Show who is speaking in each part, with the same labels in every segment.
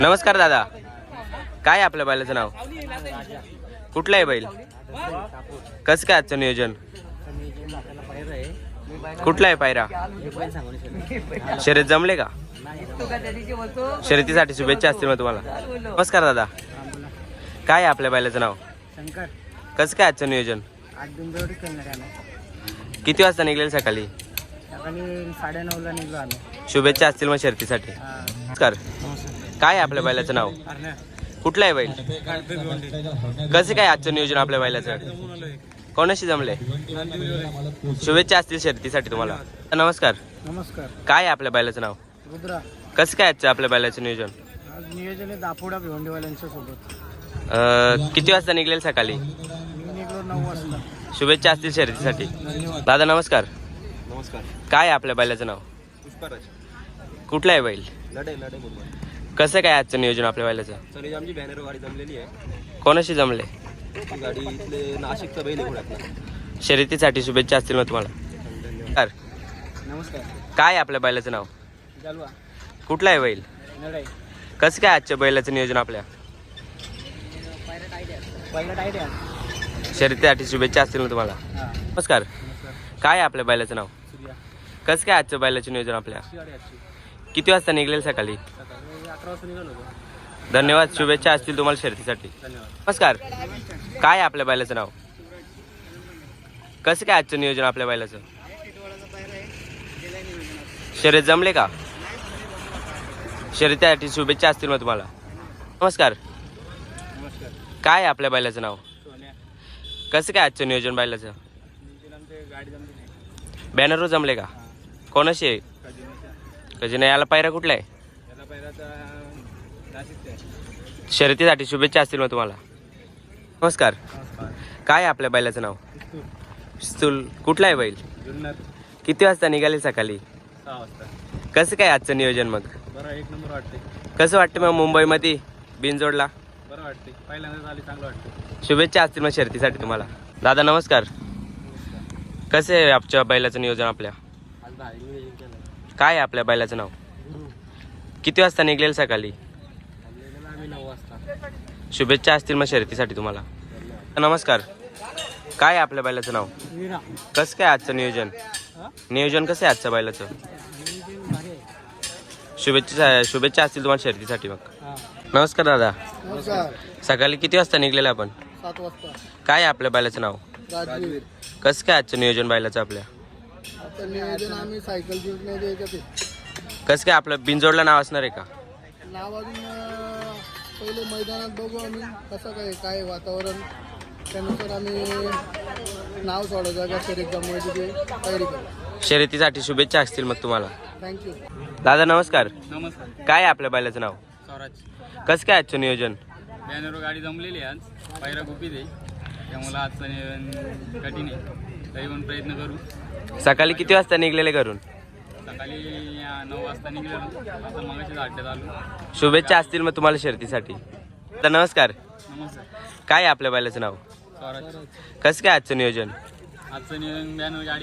Speaker 1: नमस्कार दादा, काय आहे आपल्या बैलाचं नाव? कुठलं आहे बैल? कसं काय आजचं नियोजन? कुठला आहे पायरा? शर्यत जमले का? शर्यतीसाठी शुभेच्छा असतील मग तुम्हाला. नमस्कार दादा, काय आहे आपल्या बैलाचं नाव?
Speaker 2: शंकर.
Speaker 1: कसं काय आजचं नियोजन?
Speaker 2: आज बिंदोडी करणार आहे आम्ही.
Speaker 1: किती वाजता निघलेल सकाळी?
Speaker 2: सकाळी 9:30ला निघलो आम्ही.
Speaker 1: शुभेच्छा असतील मग शर्यतीसाठी. नमस्कार, काय आहे आपल्या बैलाचं नाव? कुठलं आहे बैल? कसं काय आजचं नियोजन आपल्या बैलाचं? कोणाशी जमले? शुभेच्छा असतील शर्यतीसाठी तुम्हाला. नमस्कार,
Speaker 2: नमस्कार.
Speaker 1: काय आहे आपल्या बैलाचं नाव?
Speaker 2: रुद्रा.
Speaker 1: कसं काय आजचं आपल्या बैलाचं नियोजन?
Speaker 2: आज नियोजन आहे दापोडा भिवंडीवाल्यांच्या सोबत.
Speaker 1: किती वाजता निघलेल सकाळी?
Speaker 2: मी निघलो 9 वाजता.
Speaker 1: शुभेच्छा असतील शर्यतीसाठी.
Speaker 2: धन्यवाद.
Speaker 1: दादा नमस्कार,
Speaker 3: नमस्कार.
Speaker 1: काय आहे आपल्या बैलाचं नाव?
Speaker 3: पुष्पराज.
Speaker 1: कुठलं आहे बैल?
Speaker 3: लढे मुंबई.
Speaker 1: कसं काय आजचं नियोजन आपल्या बैलाचं?
Speaker 3: सर आमची बॅनर गाडी जमलेली आहे.
Speaker 1: कोणाशी जमले?
Speaker 3: ती गाडी इथले नाशिकचा बैल आहे घोड्यातला.
Speaker 1: शर्यतीसाठी शुभेच्छा असतील मग तुम्हाला.
Speaker 3: धन्यवाद.
Speaker 2: नमस्कार.
Speaker 1: काय आहे आपल्या बैलाचं नाव?
Speaker 2: जालवा.
Speaker 1: कुठलं आहे बैल?
Speaker 2: लढाई.
Speaker 1: कसं काय आजच्या बैलाचं नियोजन आपल्या?
Speaker 2: पहिला टाईट आहे.
Speaker 1: शर्यतीसाठी शुभेच्छा असतील मग तुम्हाला.
Speaker 2: हां.
Speaker 1: नमस्कार, काय आहे आपल्या बैलाचं नाव?
Speaker 2: सूर्या.
Speaker 1: कसं काय आजचं बैलाचं नियोजन आपल्या?
Speaker 2: गाडी आजची.
Speaker 1: किती वाजता निघलेल सकाळी?
Speaker 2: सकाळी 11 वाजता निघालो होतो.
Speaker 1: धन्यवाद, शुभेच्छा असतील तुम्हाला शर्यतीसाठी.
Speaker 2: धन्यवाद.
Speaker 1: नमस्कार, काय आहे आपल्या बैलाचं नाव? कसं काय आजचं नियोजन आपल्या बैलाचं? शर्यत जमले का? शर्यतीसाठी शुभेच्छा असतील मग तुम्हाला. नमस्कार,
Speaker 2: नमस्कार.
Speaker 1: काय आहे आपल्या बैलाचं नाव?
Speaker 2: सोन्या.
Speaker 1: कसं काय आजचं नियोजन बैलाचं?
Speaker 2: नियोजन आमची गाडी जमली नाही.
Speaker 1: बॅनरवर जमले का? कोणाशी आहे? कधी नाही. याला पायरा कुठला आहे?
Speaker 2: याला पहिलाचा नाशिकचा आहे.
Speaker 1: शर्यतीसाठी शुभेच्छा असतील मग तुम्हाला. नमस्कार,
Speaker 2: नमस्कार.
Speaker 1: काय आहे आपल्या बैलाचं नाव? स्तूल. कुठला आहे बैल?
Speaker 2: जुन्नर.
Speaker 1: किती वाजता निघाले सकाळी?
Speaker 2: 6 वाजता.
Speaker 1: कसं काय आजचं नियोजन मग?
Speaker 2: बरं, 1 नंबर वाटते.
Speaker 1: कसं वाटतं मग मुंबईमध्ये बिनजोडला?
Speaker 2: बरं वाटते. पहिल्यांदाच आली, चांगलं वाटतं.
Speaker 1: शुभेच्छा असतील मग शर्यतीसाठी तुम्हाला. दादा नमस्कार, कसं आहे आजच्या बैलाचं नियोजन आपल्या?
Speaker 2: आज भारी नियोजन केलं.
Speaker 1: काय आहे आपल्या बैलाचं नाव?
Speaker 2: गुरु.
Speaker 1: किती वाजता निघलेल सकाळी?
Speaker 2: आलेलं आम्ही 9 वाजता.
Speaker 1: शुभेच्छा असतील मग शर्यतीसाठी तुम्हाला. नमस्कार, काय आहे आपल्या बैलाचं नाव?
Speaker 2: वीरा.
Speaker 1: कसं काय आजचं नियोजन? नियोजन कसं आहे आजच्या बैलाचं?
Speaker 2: नियोजन भारी आहे.
Speaker 1: शुभेच्छा असतील तुम्हाला शर्यतीसाठी मग.
Speaker 2: हां.
Speaker 1: नमस्कार दादा,
Speaker 2: नमस्कार.
Speaker 1: सकाळी किती वाजता निघलेलं आपण?
Speaker 2: 7 वाजता.
Speaker 1: काय आहे आपल्या बैलाचं नाव?
Speaker 2: राजवीर.
Speaker 1: कसं काय आजचं नियोजन बैलाचं आपल्या?
Speaker 2: आता नियोजन आम्ही सायकल जिंकण्याच्या याच्यात आहे.
Speaker 1: कसं काय आपलं बिनजोडला नाव असणार आहे का?
Speaker 2: नाव अजून पहिले मैदानात बघू आम्ही कसं काय वातावरण, त्यानुसार आम्ही नाव सोडायचं का शर्यत जमवायची ते तयारी करू.
Speaker 1: शर्यतीसाठी शुभेच्छा असतील मग तुम्हाला.
Speaker 2: थँक्यू.
Speaker 1: दादा नमस्कार,
Speaker 2: नमस्कार.
Speaker 1: काय आहे आपल्या बैलाचं नाव?
Speaker 2: स्वराज.
Speaker 1: कसं काय आजचं नियोजन?
Speaker 2: बॅनरवर गाडी जमलेली आहे आज. पायरा गुपित आहे, त्यामुळे आजचं नियोजन कठीण आहे. तरी पण प्रयत्न करू.
Speaker 1: सकाळी किती वाजता निघलेले घरून?
Speaker 2: सकाळी 9 वाजता निघालो. आता मगाशीच अड्ड्यात आलो.
Speaker 1: शुभेच्छा असतील मग तुम्हाला शर्यतीसाठी. दादा नमस्कार,
Speaker 2: नमस्कार.
Speaker 1: काय आहे आपल्या बैलाचं नाव?
Speaker 2: स्वराज.
Speaker 1: कसं काय आजचं नियोजन?
Speaker 2: आजचं नियोजन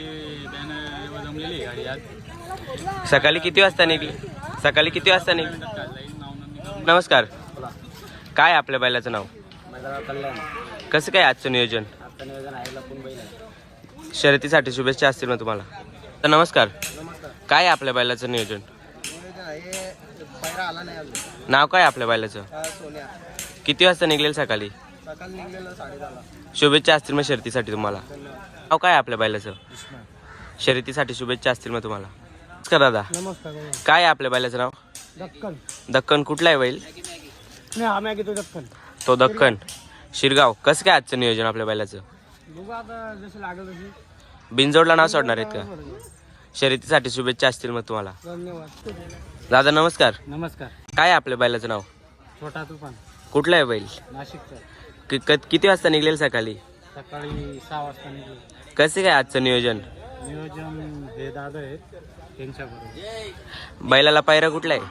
Speaker 2: बॅनर जमलेली आहे गाडी आज.
Speaker 1: सकाळी किती वाजता निघले? सकाळी किती वाजता निघले?
Speaker 2: नाव
Speaker 1: नमस्कार, काय आहे आपल्या बैलाचं नाव?
Speaker 2: माझा कल्याण.
Speaker 1: कसं काय आजचं नियोजन?
Speaker 2: आजचं नियोजन आहे लपून बैल आहे.
Speaker 1: शर्यतीसाठी शुभेच्छा असतील मग तुम्हाला. तर नमस्कार,
Speaker 2: नमस्कार.
Speaker 1: काय आहे आपल्या बैलाचं नियोजन?
Speaker 2: नियोजन आहे, पायरा आला नाही अजून.
Speaker 1: नाव काय आहे आपल्या बैलाचं?
Speaker 2: सोन्या.
Speaker 1: किती वाजता निघलेल सकाळी?
Speaker 2: सकाळी निघलेलं 10:30ला.
Speaker 1: शुभेच्छा असतील मग शर्यतीसाठी तुम्हाला.
Speaker 2: धन्यवाद.
Speaker 1: नाव काय आहे आपल्या बैलाचं? शर्यतीसाठी शुभेच्छा असतील मग तुम्हाला. नमस्कार दादा,
Speaker 2: नमस्कार.
Speaker 1: काय आहे आपल्या बैलाचं नाव?
Speaker 2: दक्कन.
Speaker 1: दक्कन. कुठला आहे बैल?
Speaker 2: नाही, आम्ही घेतो दक्कन.
Speaker 1: तो दक्कन. शिरगाव. कसं काय आजचं नियोजन आपल्या बैलाचं?
Speaker 2: बघू आता जसं लागेल तशी.
Speaker 1: बिनजोडला नाव सोडणार आहेत का? शर्यतीसाठी शुभेच्छा असतील मग तुम्हाला.
Speaker 2: धन्यवाद.
Speaker 1: दादा नमस्कार,
Speaker 2: नमस्कार.
Speaker 1: काय आहे आपल्या बैलाचं नाव?
Speaker 2: छोटा तुफान.
Speaker 1: कुठला आहे बैल?
Speaker 2: नाशिकचा.
Speaker 1: किती वाजता निघलेल सकाळी?
Speaker 2: सकाळी 6 वाजता निघलो.
Speaker 1: कसं काय आजचं नियोजन?
Speaker 2: नियोजन हे दादा आहेत त्यांच्याबरोबर.
Speaker 1: बैलाला पायरा कुठला आहे?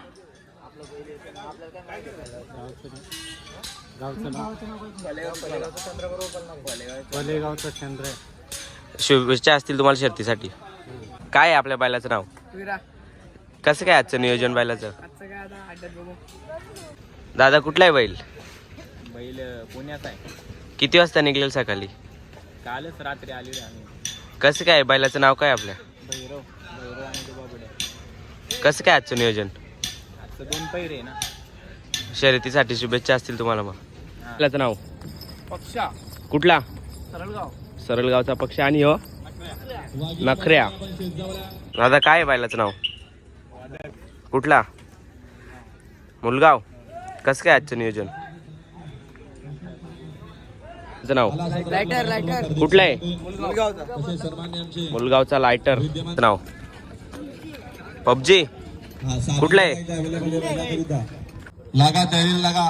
Speaker 2: भलेगावचा चंद्र आहे.
Speaker 1: शुभेच्छा असतील तुम्हाला शर्तीसाठी. काय आहे आपल्या बैलाचं नाव?
Speaker 2: विरा.
Speaker 1: कसं काय आजचं नियोजन बैलाचं?
Speaker 2: आजचं काय आता अड्ड्यात बघू.
Speaker 1: दादा कुठला आहे बैल?
Speaker 3: बैल पुण्याचा आहे.
Speaker 1: किती वाजता निघलेल सकाळी?
Speaker 3: कालच रात्री आलेलो आम्ही.
Speaker 1: कसं काय बैलाचं नाव काय आपल्या?
Speaker 3: भैरव भैरव आणि तो बाबड्या.
Speaker 1: कसं काय आजचं नियोजन?
Speaker 3: आजचं 2 पैरे आहे ना.
Speaker 1: शर्यतीसाठी शुभेच्छा असतील तुम्हाला. मग
Speaker 3: हा.
Speaker 1: बैलाचं नाव
Speaker 3: पक्षा
Speaker 1: कुठला?
Speaker 3: सरळगाव.
Speaker 1: सरळगावचा पक्ष. आणि हो नखऱ्या. दादा काय आहे बैलाचं नाव? कुठला? मुलगाव. कसं काय आजचं नियोजन? त्याचं नाव
Speaker 3: लायटर
Speaker 1: कुठलं आहे?
Speaker 3: मुलगावचा.
Speaker 1: मुलगावचा लायटर. नाव पबजी. कुठलं आहे?
Speaker 4: लागा तयारी लागा.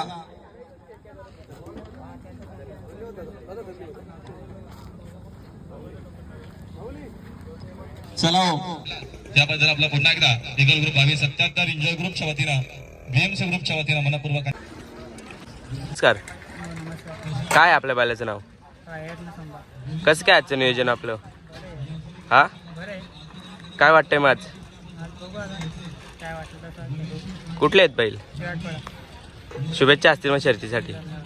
Speaker 4: चला त्याबद्दल आपला पुन्हा एकदा इगल ग्रुप 77 एन्जॉय ग्रुपच्या वतीनं बीएमसी ग्रुपच्या वतीनं मनपूर्वक
Speaker 1: नमस्कार. काय आपल्या बैलाचं नाव? कसं काय आजचं नियोजन आपलं? हा काय वाटतंय माझ? कुठले आहेत बैल? शुभेच्छा असतील मग शर्यतीसाठी.